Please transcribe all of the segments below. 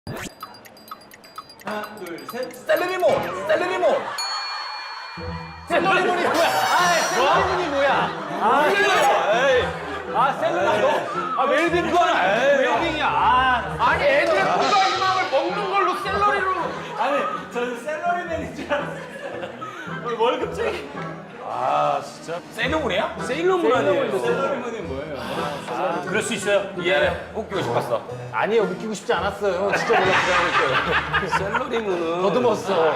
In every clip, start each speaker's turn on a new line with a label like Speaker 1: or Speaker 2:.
Speaker 1: 하나, 둘, 셋.
Speaker 2: 셀레리몬. 셀레리몬. 셀레리몬이 뭐야? 셀레리몬이 뭐야? 셀레리몬. 웰빙 거는 웰빙이야.
Speaker 3: 아니 애들의 건강 희망을 먹는 걸로 샐러리로.
Speaker 1: 아니, 저는 샐러리맨인 줄 알았어요. 월급쟁이.
Speaker 2: 세일러문이야? 세일러문 아니에요?
Speaker 1: 샐러리맨이 뭐예요?
Speaker 2: 그럴 수 있어요. 예. 웃기고 싶었어.
Speaker 4: 아니에요, 웃기고 싶지 않았어요. 진짜 몰랐어요.
Speaker 2: 셀러리문은
Speaker 4: 더듬었어.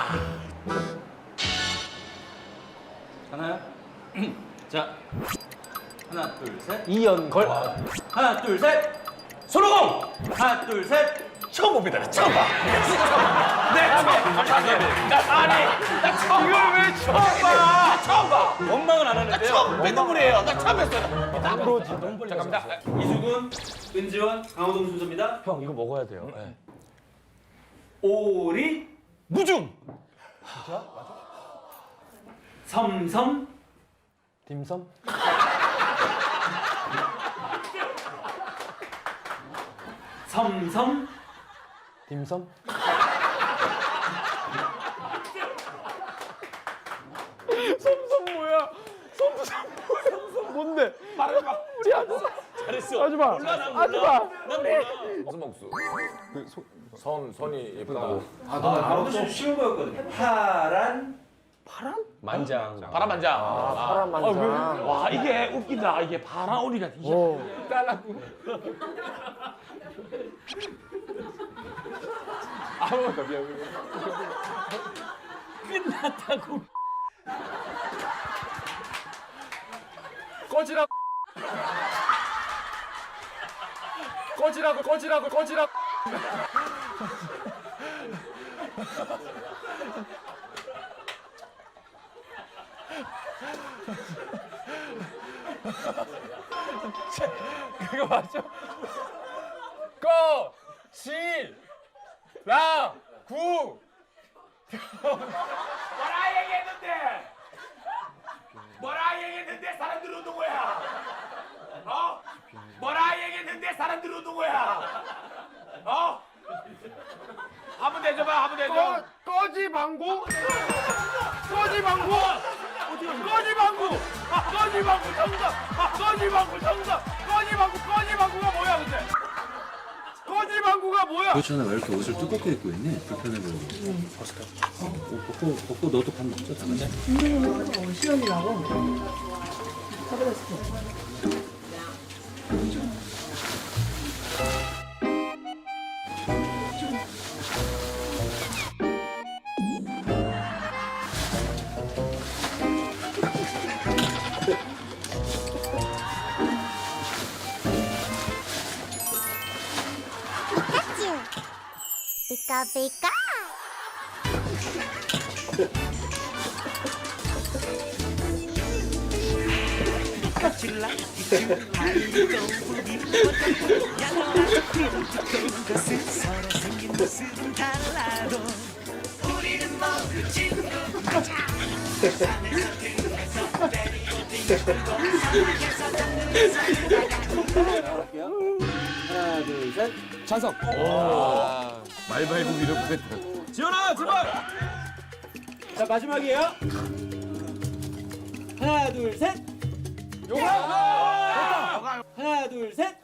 Speaker 1: 하나요? 자, 하나, 둘, 셋.
Speaker 4: 이연걸.
Speaker 1: 하나, 둘, 셋.
Speaker 2: 손오공.
Speaker 1: 하나, 둘, 셋.
Speaker 2: 처음 봅니다. 처음 봐. 나 처음 이걸 왜 처음 봐? 처음 봐. 원망은 안 하는데요. 처음 뺀동물이에요. 나 처음 했어요. 잠깐만.
Speaker 1: 이수근, 은지원, 강호동 순서입니다.
Speaker 4: 형, 이거 먹어야 돼요. 네.
Speaker 1: 오리,
Speaker 2: 무중.
Speaker 1: 섬섬,
Speaker 4: 딤섬?
Speaker 1: 섬섬,
Speaker 4: 딤섬? 섬섬 뭐야? 섬섬 뭔데? 말해봐.
Speaker 2: 잘했어.
Speaker 4: 하지 마. 하지 마.
Speaker 2: 무슨 먹수? 선이 예쁘다고.
Speaker 1: 이것도 좀 쉬운 거였거든요.
Speaker 2: 만장. 바람만장.
Speaker 4: 파란 만장.
Speaker 3: 와 이게 웃기다. 이게 바라오리가 진짜. 끝났다고. 꺼지라고. 꺼지라고. 그거 맞죠? 꺼, 실, 라, 구. 뭐라 얘기했는데 사람들이 웃는 거야? 뭐라 얘기했는데 사람들이 웃는 거야? 한번 내줘봐, 한번 내줘. 꺼지 방구? 꺼지 방구? 꺼지 방구! 꺼지 방구 정답! 꺼지 방구 정답! 꺼지 방구가 뭐야 근데? 꺼지 방구가 뭐야?
Speaker 5: 그렇잖아. 왜 이렇게 옷을 두껍게 입고 있니? 불편해 보이고. 옷 벗고 너도 밥 먹자. 다 같이.
Speaker 6: 피카 피카.
Speaker 1: 하나, 둘, 셋.
Speaker 2: 찬성. 말발굽 이렇게. 지현아, 제발.
Speaker 1: 자, 마지막이에요. 하나, 둘, 셋. 하나, 둘, 셋.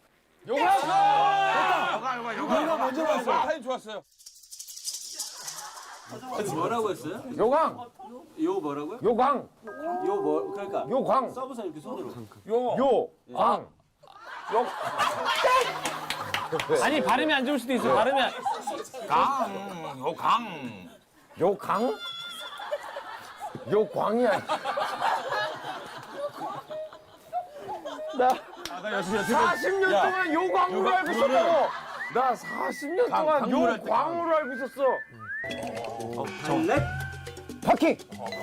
Speaker 2: 요가 먼저 봤어. 타임 좋았어요.
Speaker 1: 뭐라고 했어요?
Speaker 4: 요강.
Speaker 1: 요 뭐라고요?
Speaker 4: 요강.
Speaker 1: 요 뭐, 그러니까.
Speaker 4: 요강.
Speaker 1: 써보사 이렇게 손으로.
Speaker 4: 요강.
Speaker 3: 아니 발음이 안 좋을 수도 있어. 발음이 안.
Speaker 4: 요강? 요광이야. 나 40년 동안 요광으로 알고 있었다고. 나 40년 동안 요광으로 알고 있었어.
Speaker 1: 정렉,
Speaker 4: 파킹.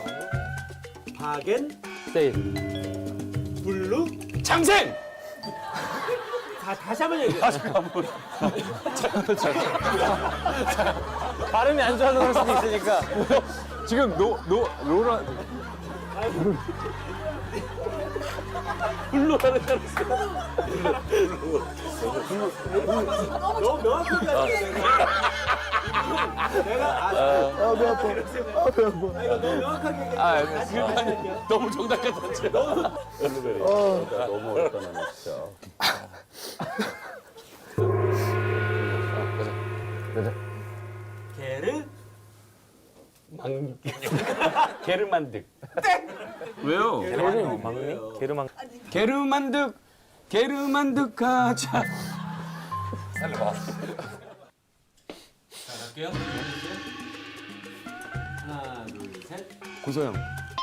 Speaker 1: 박엔,
Speaker 4: 세일.
Speaker 1: 블루.
Speaker 2: 장생.
Speaker 1: 다시 한번 얘기해.
Speaker 4: 발음이 안 좋아서 그럴 수도 있으니까.
Speaker 2: 지금 로라. 불로라는 줄 알았어.
Speaker 1: 너무 명확하게 하시네. 내가 배 아파. 이거 너무 명확하게 얘기해.
Speaker 2: 너무 정답 같았지.
Speaker 4: 너무 어렵다 나는 진짜.
Speaker 1: 개를
Speaker 2: 게르만득.
Speaker 1: 왜요?
Speaker 2: 게르만득 가자.
Speaker 1: 자, 갈게요. 하나, 둘, 셋.
Speaker 2: 고소영.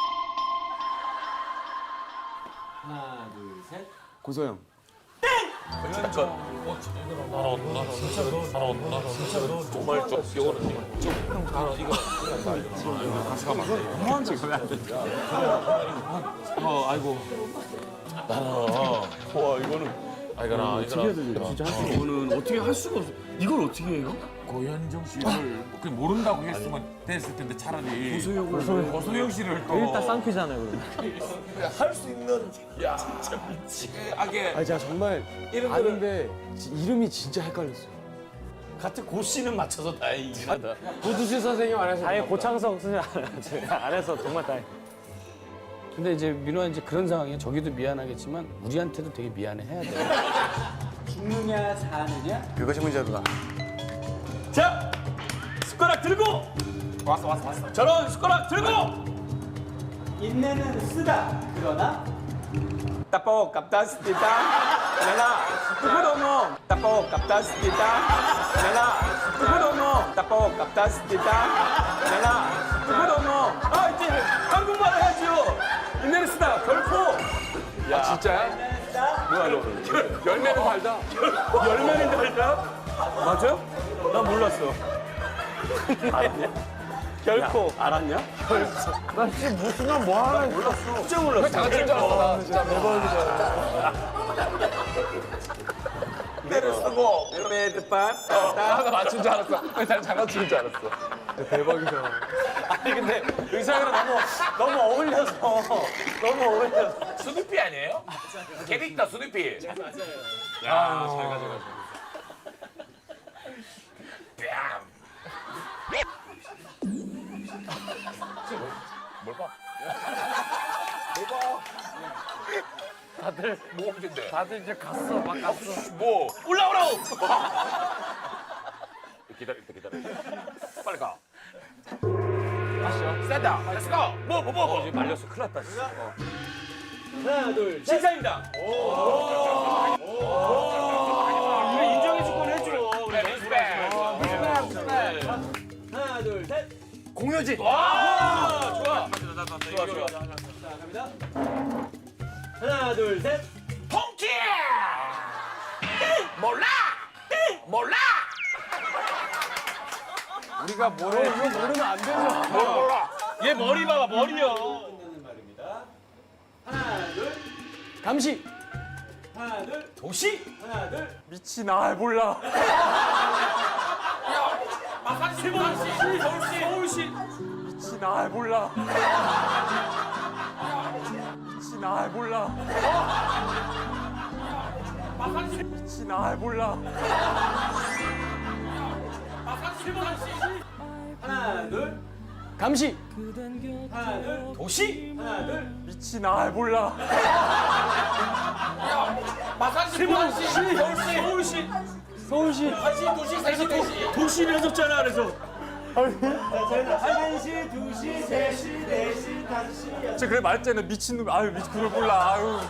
Speaker 1: 하나, 둘, 셋.
Speaker 2: 고소영.
Speaker 3: 이거는 어떻게 할 수가 없어. 이걸 어떻게 해요?
Speaker 6: 고현정 씨를 그냥 모른다고 했으면 됐을 텐데 차라리 고소영 씨를 또
Speaker 4: 일단 쌍피잖아요, 그러면.
Speaker 6: 할수 있는 야 진짜 미치게
Speaker 2: 아 제가 정말 아는데 이름이 진짜 헷갈렸어요.
Speaker 6: 같은 고 씨는 맞춰서 다행이긴 하다.
Speaker 2: 고두시 선생님 안 해서.
Speaker 4: 아예 고창석 선생님 안 해서 정말 다행.
Speaker 7: 근데 이제 민호야 이제 그런 상황이야. 저기도 미안하겠지만 우리한테도 되게 미안해 해야 돼.
Speaker 1: 죽느냐, 사느냐?
Speaker 2: 그것이 문제구나. 자, 숟가락 들고. 왔어. 저런 숟가락 들고.
Speaker 1: 인내는 쓰다. 그러나
Speaker 2: 따뽀 깝다스티다. 내가 누구도모 따뽀 깝다스티다. 내가 누구도모 따뽀 깝다스티다. 내가 누구도모. 아 이제 한국말 해야죠. 인내를 쓰다 결코. 야 진짜야? 뭐야 너? 열매는 달다. 열매는 달다? 맞아? 나 몰랐어. 알았냐? 결코 알았냐?
Speaker 4: 나 지금 무슨 뭐 하나
Speaker 2: 몰랐어. 진짜 몰랐어. 다 같이 알았어. 진짜 대박이다. 내를 쓰고 매드밤. 나 맞춘 줄 알았어. 난 장난치는 줄 알았어. 대박이다. 아니 근데 의상이랑 너무 어울려서 너무 어울려서.
Speaker 6: 스누피 아니에요? 캐릭터 스누피.
Speaker 2: 야잘 가져가죠.
Speaker 6: 뭘 봐? 뭐 문제인데?
Speaker 4: 다들 이제 갔어, 막 갔어.
Speaker 6: 뭐 올라오라고. 기다려. 빨리 가. 가시죠. 셋다. 렛츠 고. 뭐.
Speaker 2: 이제 말렸어. 큰일 났다. 진짜.
Speaker 1: 하나, 둘, 셋.
Speaker 2: 신사임당. 이거 인정해 줄 건 해줘.
Speaker 6: 그래 리스펙.
Speaker 1: 하나, 둘, 셋.
Speaker 2: 공효진. 와 좋아.
Speaker 6: 좋아.
Speaker 1: 자, 갑니다. 하나, 둘, 셋.
Speaker 6: 통키. 몰라.
Speaker 2: 우리가 뭐래? 이거 모르면 안 되죠.
Speaker 6: 몰라.
Speaker 2: 얘 머리 봐봐 머리요.
Speaker 1: 끝나는 말입니다. 하나, 둘.
Speaker 2: 감시.
Speaker 1: 하나, 둘.
Speaker 2: 도시.
Speaker 1: 하나, 둘.
Speaker 2: 미친 아 몰라.
Speaker 6: 서울시.
Speaker 2: 미친 아 몰라. 미친 아 몰라. 미친 아 몰라.
Speaker 1: 하나, 둘.
Speaker 2: 감시.
Speaker 1: 하나, 둘.
Speaker 2: 도시.
Speaker 1: 하나, 둘.
Speaker 2: 미친 아 몰라. 서울시. 도시를 해줬잖아 그래서.
Speaker 1: 자, 저희는 1시, 2시, 3시, 4시, 5시, 6시.
Speaker 2: 제가 그래 말했잖아 미친놈. 아유 미친 그걸 몰라. 아유.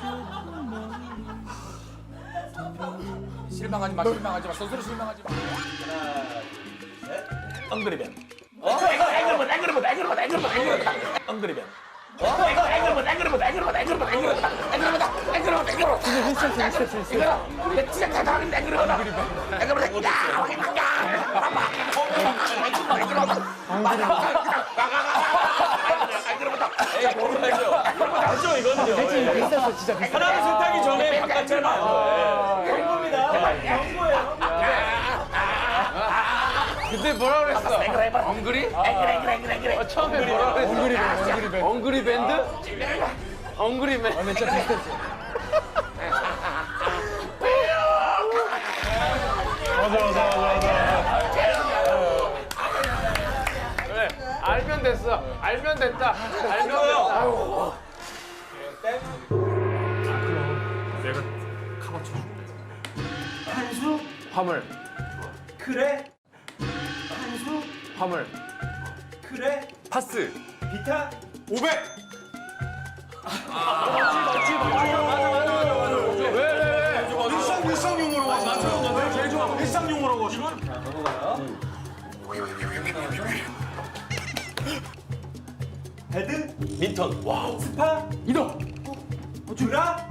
Speaker 6: 실망하지 마. 스스로 실망하지 마. 엉그리벤. 엉그리벤.
Speaker 2: 맞죠 이거는요.
Speaker 4: 비슷했어, 진짜 비슷했어.
Speaker 2: 하나를 선택하기 전에 바꿨잖아요.
Speaker 1: 경고입니다. 경고예요.
Speaker 4: 그때 뭐라 그랬어? 엉그리? 처음에 뭐라 그랬어? 엉그리 밴드? 엉그리맨? 맨 처음 비슷했어.
Speaker 3: 됐어. 알면 됐다. 알면 됐다. 아유.
Speaker 6: 내가 카바 쳐줄게.
Speaker 1: 한수
Speaker 3: 화물.
Speaker 1: 그래 한수
Speaker 3: 화물.
Speaker 1: 그래
Speaker 2: 파스.
Speaker 1: 비타
Speaker 2: 500. 일상용으로 와. 맞춰. 제일 좋아. 일상용으로 와.
Speaker 1: 배드민턴 스파
Speaker 3: 이동.
Speaker 1: 주라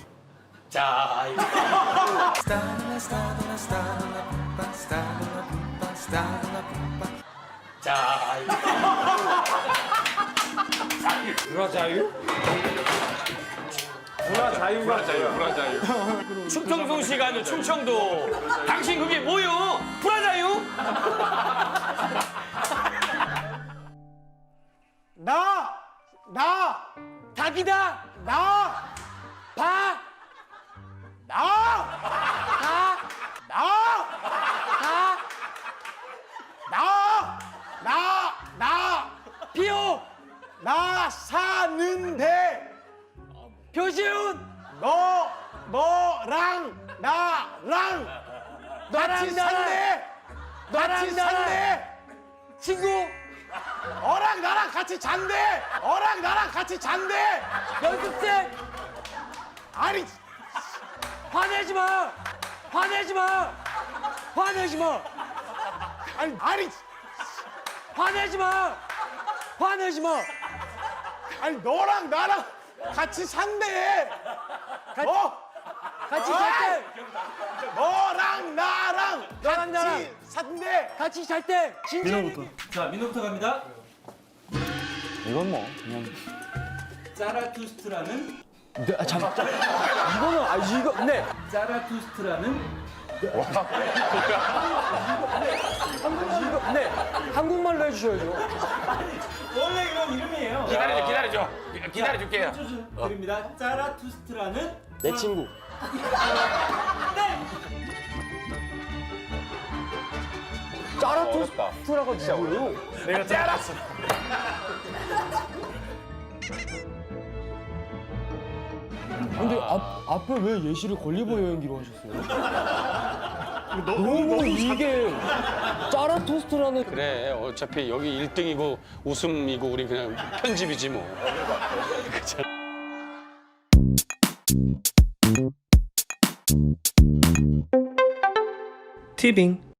Speaker 7: 충청도 시간은 충청도. 당신 그게 뭐요? 브라자유?
Speaker 3: 나 닭이다.
Speaker 7: 비오.
Speaker 3: 나 사는데
Speaker 7: 표시훈.
Speaker 3: 너랑 나랑 같이 산대. 같이 산대.
Speaker 7: 친구.
Speaker 3: 어랑 나랑 같이 잔대. 어랑 나랑 같이 잔대.
Speaker 7: 연습생.
Speaker 3: 아니
Speaker 7: 화내지 마. 화내지 마. 화내지 마.
Speaker 3: 아니
Speaker 7: 화내지 마. 화내지 마.
Speaker 3: 아니 너랑 나랑 같이 산대.
Speaker 7: 같이 잘 때.
Speaker 3: 너랑 나랑
Speaker 7: 너랑 나랑
Speaker 3: 같이 산대.
Speaker 7: 같이 잘 때.
Speaker 1: 자 민호부터 갑니다
Speaker 7: 이건 뭐 그냥.
Speaker 1: 자라투스트라는
Speaker 7: 이거는 네.
Speaker 1: 자라투스트라는
Speaker 7: 네. 한국말로 해주셔야죠.
Speaker 1: 원래 그런 이름이에요
Speaker 6: 기다려줄게요.
Speaker 1: 드립니다 자라투스트라는
Speaker 7: 내 친구. 짜라투스트라고 진짜 뭐예요?
Speaker 3: 내가 짜랐어.
Speaker 7: 근데 앞에 왜 예시를 걸리버 여행기로 하셨어요? 너무 이게 짜라토스트라는. 그래 어차피 여기 1등이고 웃음이고 우리 그냥 편집이지 뭐.
Speaker 8: 티빙